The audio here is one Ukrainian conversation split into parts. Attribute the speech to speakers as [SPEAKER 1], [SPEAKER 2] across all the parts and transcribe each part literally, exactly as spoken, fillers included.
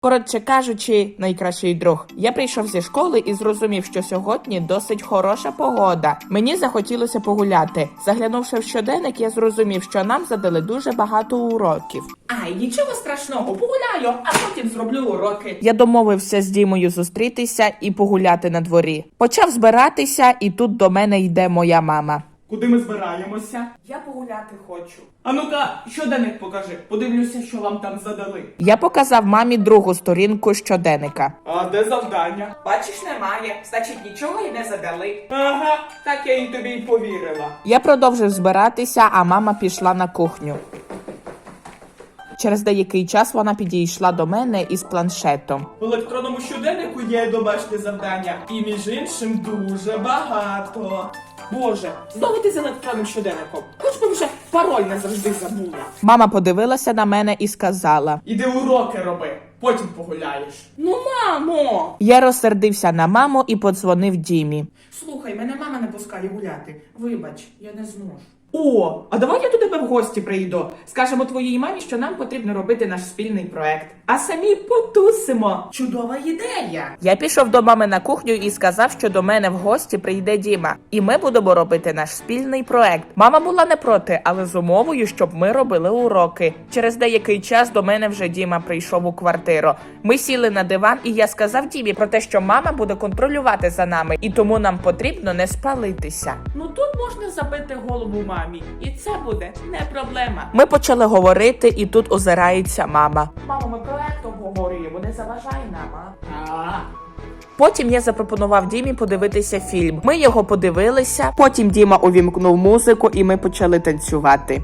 [SPEAKER 1] Коротше кажучи, найкращий друг. Я прийшов зі школи і зрозумів, що сьогодні досить хороша погода. Мені захотілося погуляти. Заглянувши в щоденник, я зрозумів, що нам задали дуже багато уроків.
[SPEAKER 2] Ай, нічого страшного, погуляю, а потім зроблю уроки.
[SPEAKER 1] Я домовився з Дімою зустрітися і погуляти на дворі. Почав збиратися, і тут до мене йде моя мама.
[SPEAKER 2] Куди ми збираємося?
[SPEAKER 1] Я погуляти хочу.
[SPEAKER 2] А ну-ка, щоденник покажи, подивлюся, що вам там задали.
[SPEAKER 1] Я показав мамі другу сторінку щоденника.
[SPEAKER 2] А де завдання?
[SPEAKER 1] Бачиш, немає. Значить, нічого й не задали.
[SPEAKER 2] Ага, так я і тобі й повірила.
[SPEAKER 1] Я продовжив збиратися, а мама пішла на кухню. Через деякий час вона підійшла до мене із планшетом.
[SPEAKER 2] В електронному щоденнику є домашнє завдання. І між іншим дуже багато. Боже, знову ти з електронним щоденником. Хоч би вже пароль не завжди забула.
[SPEAKER 1] Мама подивилася на мене і сказала.
[SPEAKER 2] Іди уроки роби, потім погуляєш. Ну, мамо!
[SPEAKER 1] Я розсердився на маму і подзвонив Дімі.
[SPEAKER 2] Слухай, мене мама не пускає гуляти. Вибач, я не зможу. О, а давай я до тебе в гості прийду. Скажемо твоїй мамі, що нам потрібно робити наш спільний проект. А самі потусимо. Чудова ідея.
[SPEAKER 1] Я пішов до мами на кухню і сказав, що до мене в гості прийде Діма. І ми будемо робити наш спільний проект. Мама була не проти, але з умовою, щоб ми робили уроки. Через деякий час до мене вже Діма прийшов у квартиру. Ми сіли на диван, і я сказав Дімі про те, що мама буде контролювати за нами. І тому нам потрібно не спалитися.
[SPEAKER 2] Ну тут можна забити голову мамі. І це буде не проблема.
[SPEAKER 1] Ми почали говорити, і тут озирається мама.
[SPEAKER 2] Мамо, ми проект обговорюємо, не заважай нам, а? А.
[SPEAKER 1] Потім я запропонував Дімі подивитися фільм. Ми його подивилися, потім Діма увімкнув музику, і ми почали танцювати.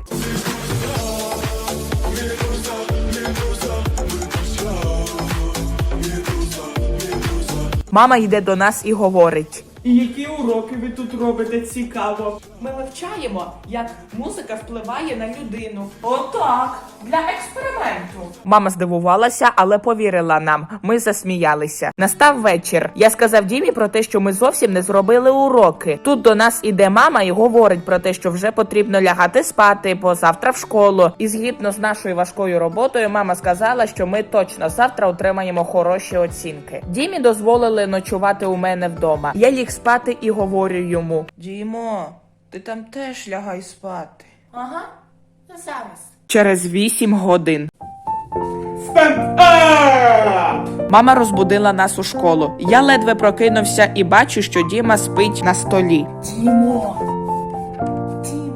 [SPEAKER 1] Мама йде до нас і говорить.
[SPEAKER 2] І які уроки ви тут робите, цікаво? Ми вивчаємо, як музика впливає на людину. Отак, для експерименту.
[SPEAKER 1] Мама здивувалася, але повірила нам. Ми засміялися. Настав вечір. Я сказав Дімі про те, що ми зовсім не зробили уроки. Тут до нас іде мама і говорить про те, що вже потрібно лягати спати, бо завтра в школу. І згідно з нашою важкою роботою, мама сказала, що ми точно завтра отримаємо хороші оцінки. Дімі дозволили ночувати у мене вдома. Я ліг спати і говорю йому. Дімо, ти там теж лягай спати.
[SPEAKER 2] Ага, зараз.
[SPEAKER 1] Через вісім годин.
[SPEAKER 2] Стенд-ап!
[SPEAKER 1] Мама розбудила нас у школу. Я ледве прокинувся і бачу, що Діма спить на столі.
[SPEAKER 2] Дімо! Дімо!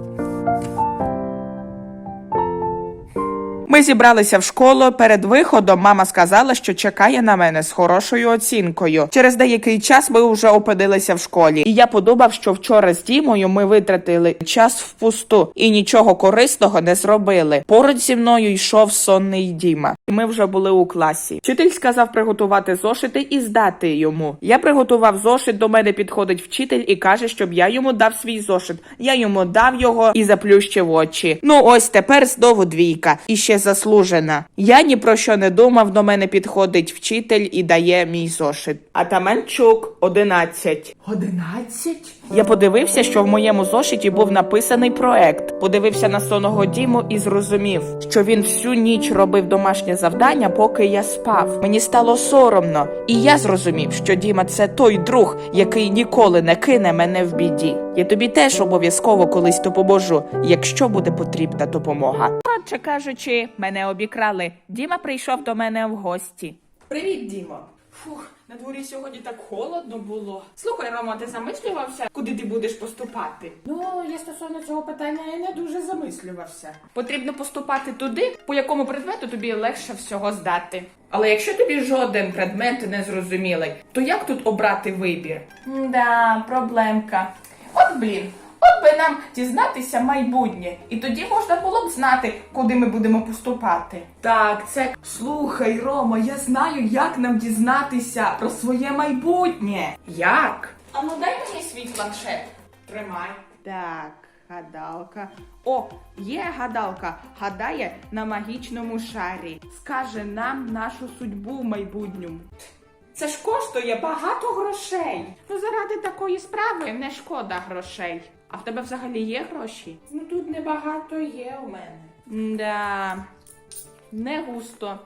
[SPEAKER 1] Ми зібралися в школу. Перед виходом мама сказала, що чекає на мене з хорошою оцінкою. Через деякий час ми вже опинилися в школі. І я подумав, що вчора з Дімою ми витратили час впусту і нічого корисного не зробили. Поруч зі мною йшов сонний Діма. Ми вже були у класі. Вчитель сказав приготувати зошити і здати йому. Я приготував зошит, до мене підходить вчитель і каже, щоб я йому дав свій зошит. Я йому дав його і заплющив очі. Ну ось тепер знову двійка. І ще заслужена. Я ні про що не думав, до мене підходить вчитель і дає мій зошит. Атаманчук, одинадцять.
[SPEAKER 2] Одинадцять?
[SPEAKER 1] Я подивився, що в моєму зошиті був написаний проект. Подивився на сонного Діму і зрозумів, що він всю ніч робив домашнє завдання, поки я спав. Мені стало соромно. І я зрозумів, що Діма – це той друг, який ніколи не кине мене в біді. Я тобі теж обов'язково колись допоможу, якщо буде потрібна допомога. Коротше кажучи, мене обікрали. Діма прийшов до мене в гості.
[SPEAKER 2] Привіт, Дімо. Фух, на дворі сьогодні так холодно було. Слухай, Рома, ти замислювався, куди ти будеш поступати? Ну, я стосовно цього питання і не дуже замислювався. Потрібно поступати туди, по якому предмету тобі легше всього здати. Але якщо тобі жоден предмет не зрозумілий, то як тут обрати вибір? Да, проблемка. От блін. От би нам дізнатися майбутнє, і тоді можна було б знати, куди ми будемо поступати. Так, це... Слухай, Рома, я знаю, як нам дізнатися про своє майбутнє. Як? А ну дай мені свій планшет. Тримай.
[SPEAKER 1] Так, гадалка. О, є гадалка. Гадає на магічному шарі. Скаже нам нашу судьбу в майбутньому.
[SPEAKER 2] Це ж коштує багато грошей.
[SPEAKER 1] Ну, заради такої справи не шкода грошей. А в тебе взагалі є гроші?
[SPEAKER 2] Ну тут небагато є у мене.
[SPEAKER 1] Да, не густо.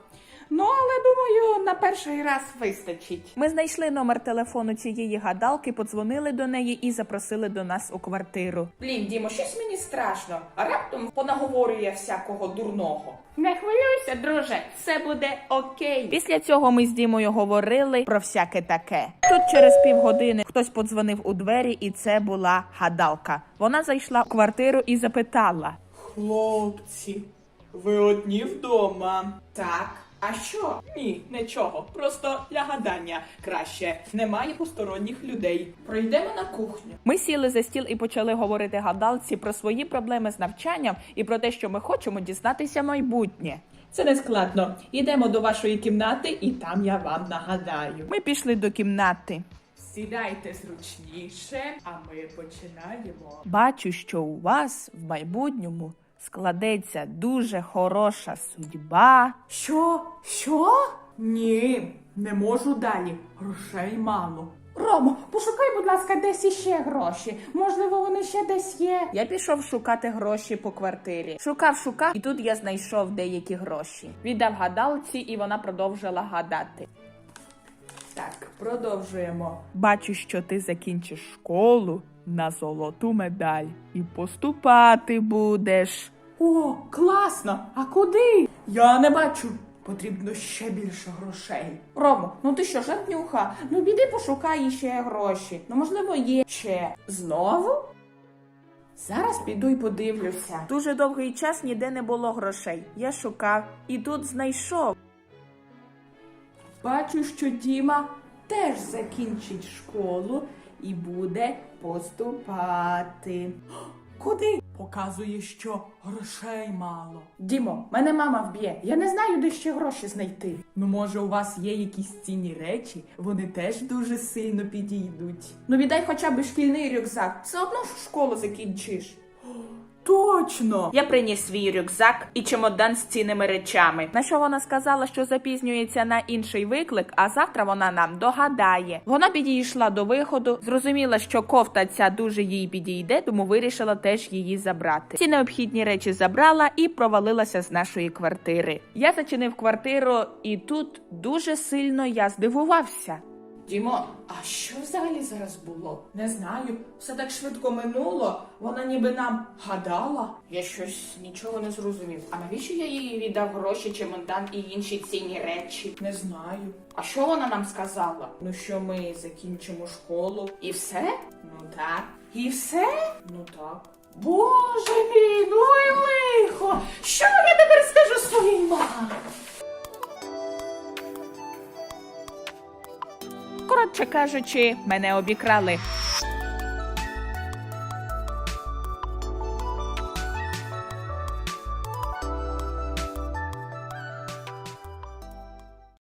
[SPEAKER 2] Ну, але думаю, на перший раз вистачить.
[SPEAKER 1] Ми знайшли номер телефону цієї гадалки, подзвонили до неї і запросили до нас у квартиру.
[SPEAKER 2] Блін, Дімо, щось мені страшно, а раптом понаговорює всякого дурного. Не хвилюйся, друже, все буде окей.
[SPEAKER 1] Після цього ми з Дімою говорили про всяке таке. Тут через півгодини хтось подзвонив у двері, і це була гадалка. Вона зайшла в квартиру і запитала:
[SPEAKER 2] Хлопці, ви одні вдома? Так. А що? Ні, нічого. Просто для гадання краще. Немає посторонніх людей. Пройдемо на кухню.
[SPEAKER 1] Ми сіли за стіл і почали говорити гадалці про свої проблеми з навчанням і про те, що ми хочемо дізнатися майбутнє.
[SPEAKER 2] Це не складно. Йдемо до вашої кімнати, і там я вам нагадаю.
[SPEAKER 1] Ми пішли до кімнати.
[SPEAKER 2] Сідайте зручніше, а ми починаємо.
[SPEAKER 1] Бачу, що у вас в майбутньому складеться дуже хороша судьба.
[SPEAKER 2] Що? Що? Ні, не можу далі. Грошей мало. Ромо, пошукай, будь ласка, десь іще гроші. Можливо, вони ще десь є.
[SPEAKER 1] Я пішов шукати гроші по квартирі. Шукав, шукав, і тут я знайшов деякі гроші. Віддав гадалці, і вона продовжила гадати.
[SPEAKER 2] Так, продовжуємо.
[SPEAKER 1] Бачу, що ти закінчиш школу на золоту медаль і поступати будеш.
[SPEAKER 2] О, класно! А куди? Я не бачу. Потрібно ще більше грошей. Ромо, ну ти що, жартнюха? Ну біди пошукай ще гроші. Ну, можливо, є ще. Знову? Зараз піду й подивлюся.
[SPEAKER 1] Дуже довгий час ніде не було грошей. Я шукав і тут знайшов.
[SPEAKER 2] Бачу, що Діма теж закінчить школу і буде поступати. Куди? Показує, що грошей мало. Дімо, мене мама вб'є. Я не знаю, де ще гроші знайти. Ну, може, у вас є якісь цінні речі? Вони теж дуже сильно підійдуть. Ну, віддай хоча б шкільний рюкзак. Все одно ж школу закінчиш. Точно!
[SPEAKER 1] Я приніс свій рюкзак і чемодан з цінними речами. На що вона сказала, що запізнюється на інший виклик, а завтра вона нам догадає. Вона підійшла до виходу, зрозуміла, що кофта ця дуже їй підійде, тому вирішила теж її забрати. Ці необхідні речі забрала і провалилася з нашої квартири. Я зачинив квартиру, і тут дуже сильно я здивувався.
[SPEAKER 2] Дімо, а що взагалі зараз було? Не знаю. Все так швидко минуло. Вона ніби нам гадала. Я щось нічого не зрозумів. А навіщо я їй віддав гроші, чемодан і інші цінні речі? Не знаю. А що вона нам сказала? Ну, що ми закінчимо школу. І все? Ну так. І все? Ну так. Боже мій, ну і лихо! Що я тепер скажу своїй мамі?
[SPEAKER 1] Коротше кажучи, мене обікрали.